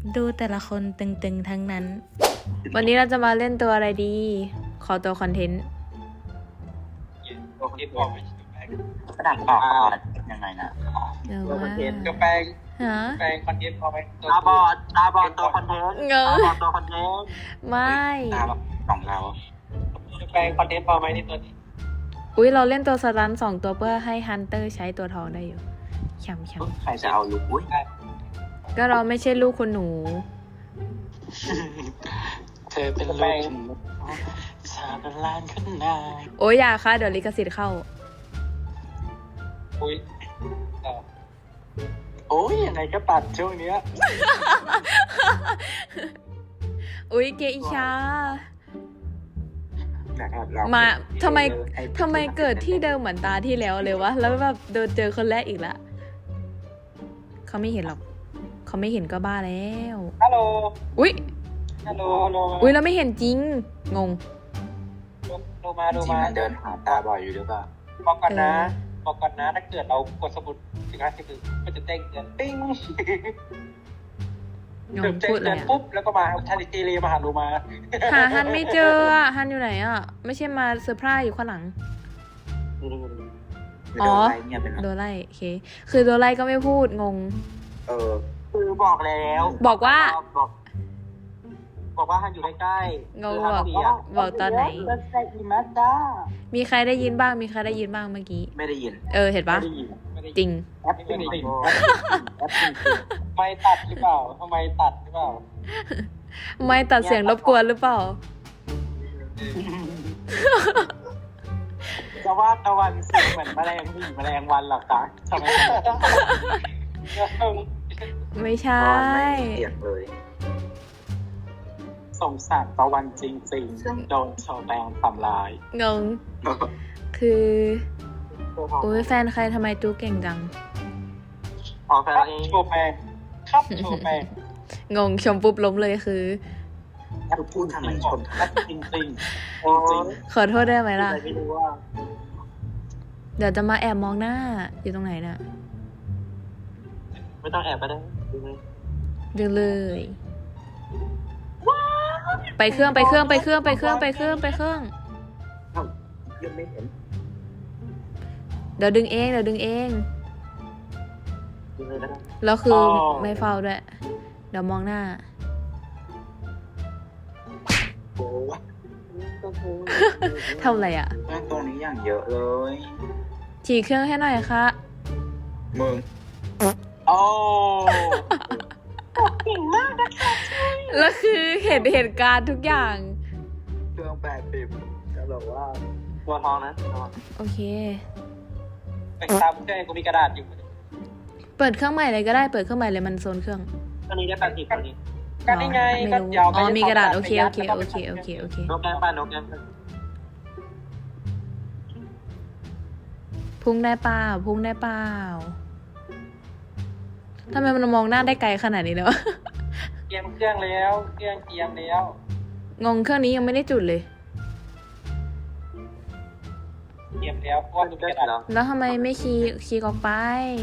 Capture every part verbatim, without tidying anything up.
ดูแต่ละคนตึงๆทั้งนั้น วันนี้เราจะมาเล่นตัวอะไรดี ขอตัวคอนเทนต์ตัวคอนเทนต์บอกไม่ใช่แปลงกระดาษปอกคอร์ดยังไงนะเดี๋ยวตัวคว่าอนเทนต์กับแปลงฮะแปลงคอนเทนต์พอไหมตาบอดตาบอดตัวคอนเทนต์เงตาอะบอดตัวคอนเทนต์ไม่ตาบอดของเราแปลงคอนเทนต์พอไหมในตัวนี้อุ้ยเราเล่นตัวสลันสองตัวเพื่อให้ฮันเตอร์ใช้ตัวทองได้อยู่ฉ่ำใครจะเอาลูกอุ้ยๆก็เราไม่ใช่ลูกคุณหนูเธอเป็นลูกสาบลานขึ้นนาโอ้ยอย่าค่ะเดี๋ยวลิขสิทธิ์เข้าอุ้ยเออโอ้ยยังไงก็ตัดช่วงเนี้ยอุ้ยเกอิชานะครับเรามาทำไมทำไมเกิดที่เดิมเหมือนตาที่แล้วเลยวะ แล้วแบบโดนเจอคนแรกอีกละเขาไม่เห็นหรอก เขาไม่เห็นก็บ้าแล้วฮัลโหลอุ้ยฮัลโหลฮัลโหลอุ้ยเราไม่เห็นจริง งงดูมาจดูริงมามันเดินหาตาบอดอยู่หรือเปล่าบอกก่อนนะเออบอกก่อนนะถ้าเกิดเรากดสมุดถึงห้าสิบมันจะแจ้งเตือนปิ้งงเดี๋ยวงแจ้งพูดเลเตือย นอะปุ๊บแล้วก็มาทันทีเลยมาหาดูมาหาฮันไม่เจออะฮันอยู่ไหนอะไม่ใช่มาเซอร์ไพรส์อยู่ข้างหลัง อ๋อเงียบไปนะโดไล่โอเค คือโดไล่ก็ไม่พูดงงเออคือบอกแล้วบอกว่าบอกบอกว่าฮันอยู่ใกล้งงบอกบอกตอนไหนแล้วใส่อีมาจ้ามีใครได้ยินบ้าง มีใครได้ยินบ้างเมื่อกี้ไม่ได้ยินเออ เห็นปะไม่ได้ยินไม่ได้จริงแอปปิ้งปิ้งแอปปิ้งไม่ตัดหรือเปล่าทำไมตัดหรือเปล่าไม่ตัดเสียงรบกวนหรือเปล่าจะว่าตะวันเสียงเหมือนแมลงวี่แมลงวันหรอคะทำไมไม่ใช่ตะวันไม่มีเสียงเลยสงสารตะวันจริงๆโดนชาวแบงทำลายงง คือโอ้ยแฟนใครทำไมจูเก่งจังพอแฟนครับเองโชว์แปลงครับโชว์แปลงงงชมปุ๊บล้มเลยคือคือพูดทำไมชมทำไมจริงๆจริงขอโทษได้ไหมๆล่ะไม่รู้ว่าเดี๋ยวจะมาแอบมองหน้า อยู่ตรงไหนน่ะไม่ต้องแอบไปได้ดูไหมดูเลย ไปเครื่องไปเครื่องไปเครื่องไปเครื่องไปเครื่องไปเครื่องเอ้ายังไม่เห็นเดี๋ยวดึงเองเดี๋ยวดึงเองดูเลยก็ได้แล้วคือไม่เฝ้าด้วย เดี๋ยวมองหน้าโอ้ยทำอะไรอ่ะแม่งตรงนี้อย่างเยอะเลยฉีกเครื่องให้หน่อยค่ะมึงโอ้แล้วคือเห็นเหตุการณ์ทุกอย่างเครื่องแปดสิบจะบอกว่าตัวทองนะตัวทองโอเคไปตามเครื่องกูมีกระดาษอยู่เปิดเครื่องใหม่เลยก็ได้ เปิดเครื่องใหม่เลยมันโซนเครื่องอันนี้ได้แปดสิบอันนี้ก็นี่ไงไม่ก็รู้ยาวอ๋อมีกระดาษโอเคโอเคโอเคโอเคโอเคนกแก้มป้านกแก้มป้าพุ่งได้เปล่าพุ่งได้เปล่าทำไมมันมองหน้าได้ไกลขนาดนี้เลยวะเตรียมเครื่องแล้วเครื่องเตรียมแล้วงงเครื่องนี้ยังไม่ได้จุดเลยเตรียมแล้วเพราะว่ากูมีกระดาษแล้วทำไมไม่คีย์คีย์ออกไป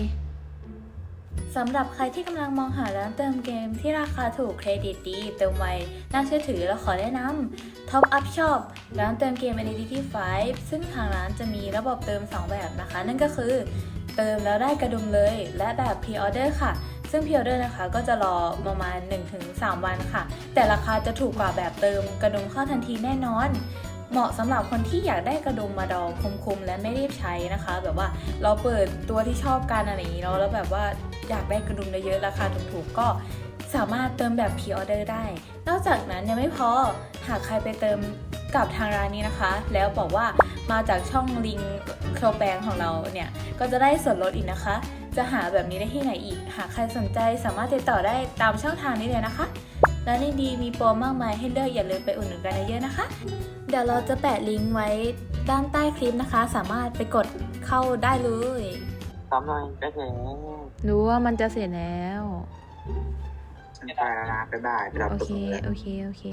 สำหรับใครที่กำลังมองหาร้านเติมเกมที่ราคาถูกเครดิตดี เติมไว น่าเชื่อถือและขอแนะนำ Top Up Shop ร้านเติมเกม Identity ไฟว์ ซึ่งทางร้านจะมีระบบเติมสองแบบนะคะ นั่นก็คือเติมแล้วได้กระดุมเลย และแบบ Pre-order ค่ะ ซึ่ง Pre-order นะคะก็จะรอประมาณ หนึ่งถึงสาม วันค่ะ แต่ราคาจะถูกกว่าแบบเติมกระดุมเข้าทันทีแน่นอน เหมาะสำหรับคนที่อยากได้กระดุมมาดองคุมๆและไม่รีบใช้นะคะ แบบว่าเราเปิดตัวที่ชอบกันอะไรอย่างนี้เนาะแล้วแบบว่าอยากได้กระดุมเยอะๆราคาถูกๆก็สามารถเติมแบบพรีออเดอร์ได้ นอกจากนั้นยังไม่พอหากใครไปเติมกับทางร้านนี้นะคะ แล้วบอกว่ามาจากช่องลิงโครแบงของเราเนี่ยก็จะได้ส่วนลดอีกนะคะ จะหาแบบนี้ได้ที่ไหนอีกหากใครสนใจสามารถติดต่อได้ตามช่องทางนี้เลยนะคะร้านดีๆมีโปรมากมายให้เลือกอย่าลืมไปอุดหนุนกันเยอะๆนะคะ เดี๋ยวเราจะแปะลิงก์ไว้ด้านใต้คลิปนะคะ สามารถไปกดเข้าได้เลยซ้ำหน่อยก็ถึงรู้ว่ามันจะเสร็จแล้วฉันไปแล้วนะบ๊ายบายไปรับโอตัวเคเลยโอเค โอเค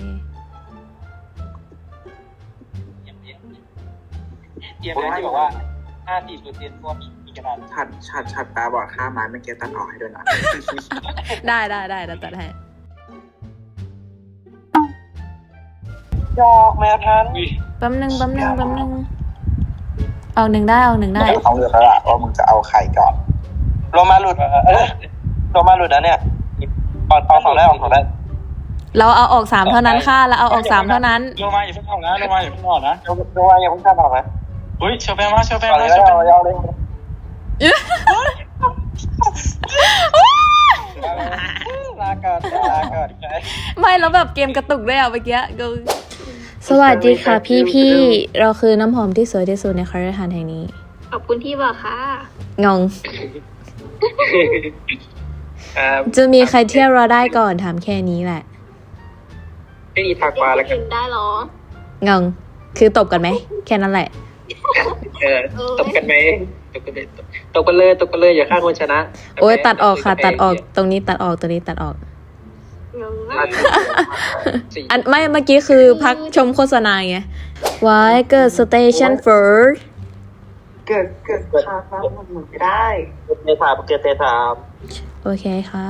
เตรียมแล้วเตรียมแล้วที่บอกว่าห้าสี่เปอร์เซ็นต์พวกมีมีกระดาษชัดชัดชัดตาบอดข้ามไม้เมื่อกี้ตัดออกให้ด้วยนะได้ได้ได้แล้วตัดให้ยอกแมวทันแป๊บนึงแป๊บนึงแป๊บนึงเอาหนึ่งได้เอาหนึ่งได้เขาเลือกแล้วล่ะว่ามึงจะเอาใครก่อนโลมาหลุดเออโลมาหลุดนะเนี่ยออกออกสองได้ออกสองได้เราเอาออกสามเท่านั้นค่ะเราเอาออกสามเท่านั้นลงมาอย่าเพิ่งออกนะลงมาอย่าเพิ่งออกนะโลมาอย่าเพิ่งข้ามออกนะเฮ้ยเชอร์แปนมาเชอร์แปนเอาเลมาย เชอร์แปนเอาเลยเอาเลย ลาก่อนลาก่อนไม่แล้วแบบเกมกระตุกด้วยอ่ะเมื่อกี้ก็สวัสดีค่ะพี่พี่ๆเราคือน้ำหอมที่สวยที่สุดในคาราหานแห่งนี้ขอบคุณที่บอกค่ะงงอ่าจะมีใครเที่ยวเราได้ก่อนถามแค่นี้แหละไม่มีทักมาแล้วกันเห็นได้เหรองงคือตบกันไหมแค่นั้นแหละเออตบกันไหมตบกันเลยตบกันเลยตบกันเลยอย่าฆ่าคนชนะโอ้ยตัดออกค่ะตัดออกตรงนี้ตัดออกตรงนี้ตัดออกงงอัมากสี่อันไม่เมื่อกี้คือพักชมโฆษณาไงไว้เกิดสเตชันเฟิร์สเกิดเกิดคาฟ้ามันหมุนไม่ได้เตถามเกิดเตถามโอเคค่ะ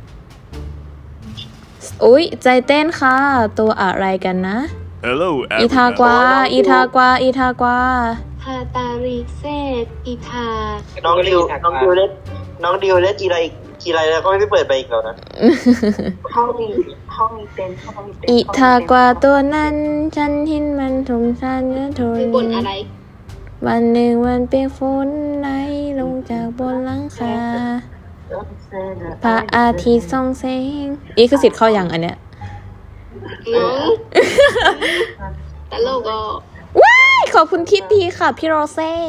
อุ้ยใจเต้นค่ะ ตัวอะไรกันนะ Hello, อีทากวา อีทากวา อีทากวาพาตาริเซตอีทาน้องดิวน้องดิวเล่นน้องดิวเล่นกีไรกีไรแล้วก็ไม่ได้เปิดไปอีกแล้วนะห้องมีห้องมีเต็นท์ห้องมีเต็นท์อีทากวาตัวนั้นฉันเห็นมันทุ่มชันเนื้อทนคือบนอะไรวันหนึ่งวันเปียกฝนไหลลงจากบนหลังคาพระอาทิตย์ส่องแสงอีคือสิทธิ์เข้าอย่างอันเนี้ยงงตลกอ่ะว้ายขอบคุณที่ดีค่ะพี่โรเซ่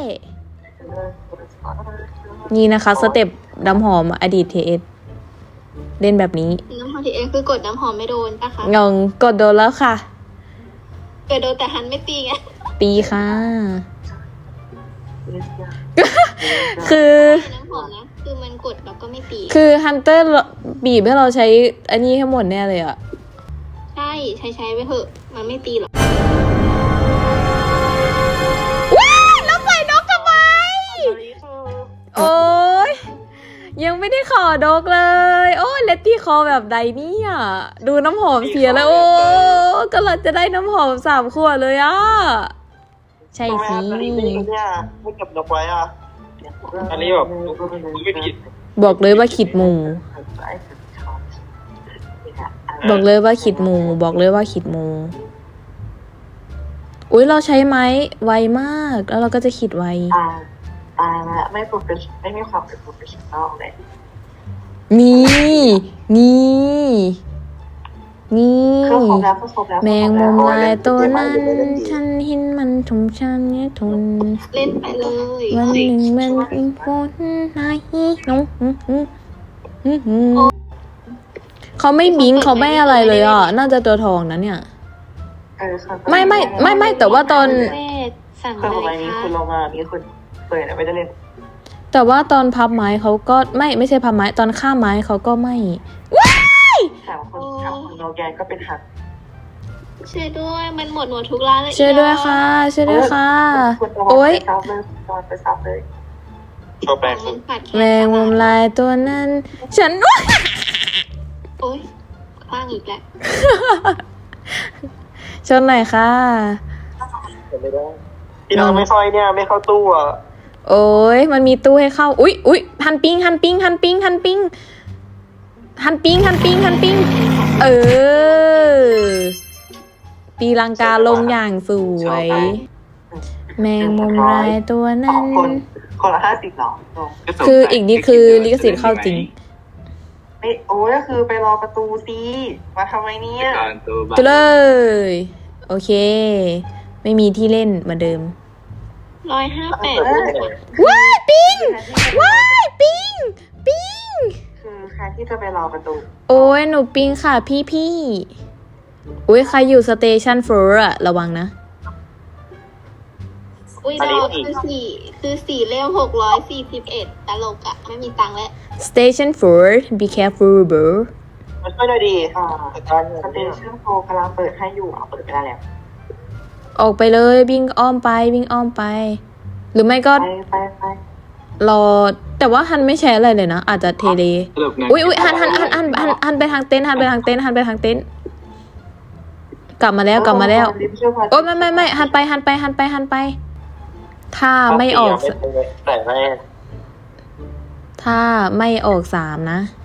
นี่นะคะสเต็ปน้ำหอมอดีตเทเอสเล่นแบบนี้น้ำหอมทีเอ็กคือกดน้ำหอมไม่โดนปะคะงงกดโดนแล้วค่ะเกิดโดนแต่หันไม่ตีไงตีค่ะ คือน้ำหอมนะคือมันกดแล้วก็ไม่ตีคือฮันเตอร์บีบให้เราใช้อันนี้ให้หมดแน่เลยอะใช่ใช้ใช้ไปเถอะมันไม่ตีหรอกว้ายแล้วใส่นกทำไม โอ้ยยังไม่ได้ขอดกเลย โอ้ยเลตตี้คอแบบใดเนี่ยดูน้ำหอมเสียแล้วโอ้ก็เราจะได้น้ำหอมสามขวดเลยอ่ะ ใช่ทำไมสิอันนี้ไม่เนี่ยไม่เก็บนกไว้อ่ะอันนี้แบบไม่ผิดบอกเลยว่าขิดหมูบอกเลยว่าขิดหมูบอกเลยว่าขิดหมูอุ้ยเราใช้ไม้ไวมากแล้วเราก็จะขิดไวตายตายแล้วไม่โปรเฟชไม่มีความเป็นโปรเฟชชั่นอลเลยนี่นี่นี่เครื่องครบแล้วเครื่องครบแล้วแมงมุมลายตัวนั้น ฉันเห็นมันทุ่มชันเนี่ยทนเล่นไปเลยวันหนึ่งมันเป็นฝนไหนน้องเขาไม่บิงเขาไม่อะไรเลยอ่ะ น่าจะตัวทองนะเนี่ยเออค่ะไม่ไม่ไม่ไม่แต่ว่าตอนเซตสั่งเครื่องเลของไม้ยนี้ค่ะคุณลงมามีคนเปิดไม่ได้เล่นแต่ว่าตอนพับไม้เขาก็ไม่ไม่ใช่พับไม้ตอนข้ามไม้เขาก็ไม่ถามคนถามคนโนแกนก็เป็นหักช่วยด้วยมันหมดหมดทุกร้านเลยช่วยด้วยค่ะช่วยด้วยค่ะคุณตะวันโอ๊ยไปซับเลยตะวันไปซับเลยชอบแปลงมันปัดแมงมุมลายตัวนั้น ฉันโอ๊ยคว้างอีกแล้วชนหน่อยค่ะไม่ได้ที่เราไม่ค่อยเนี่ยไม่เข้าตู้อ่ะโอ้ยมันมีตู้ให้เข้า อุ๊ยอุ๊ยหันปิงหันปิงหันปิงหันปิงหันปิงหันปิงหันปิงเออ ตีลังกาลงอย่างสวย แมงมุมลายตัวสนั้องนคนคนละห้าสิบหรอลงคืออีกนิดคือลิขสิทธิ์เข้าจริงไม่โอ้ยก็คือไปรอประตูสิมาทำไมเนี่ยจะเลย โอเค ไม่มีที่เล่นเหมือนเดิมร้อยห้าแปดว้ายปิงว้ายปิงปิงคือใครที่จะไปรอประตูโอ้ยหนูปิงค่ะพี่พี่อุ้ยใครอยู่สเตชันโฟร์อะระวังนะอุ้ยเราคือสี่คือสี่เล่มหกร้อยสี่สิบเอ็ดตลกอะไม่มีตังค์แล้ว Station four be careful bro มันช่วยได้ดีอ่าแต่การสเตชันโฟกำลังเปิดให้อยู่เอาเปิดไปได้แล้วออกไปเลยวิ่งอ้อมไปวิ่งอ้อมไป หรือไม่ก็ไปไปไปรอแต่ว่าฮันไม่ใช้อะไรเลยนะ อาจจะเทเลอุ้ยอุ้ยฮันฮันฮันฮันฮันฮันไปทางเต็นท์ฮันไปทางเต็นท์ฮันไปทางเต็นท์กลับมาแล้วกลับมาแล้วลิฟต์ช่วยพาโอ๊ยไม่ไม่ไม่หันไปหันไปหันไปหันไป ถ้าไม่ออกแต่ไม่ถ้าไม่ออกสามนะ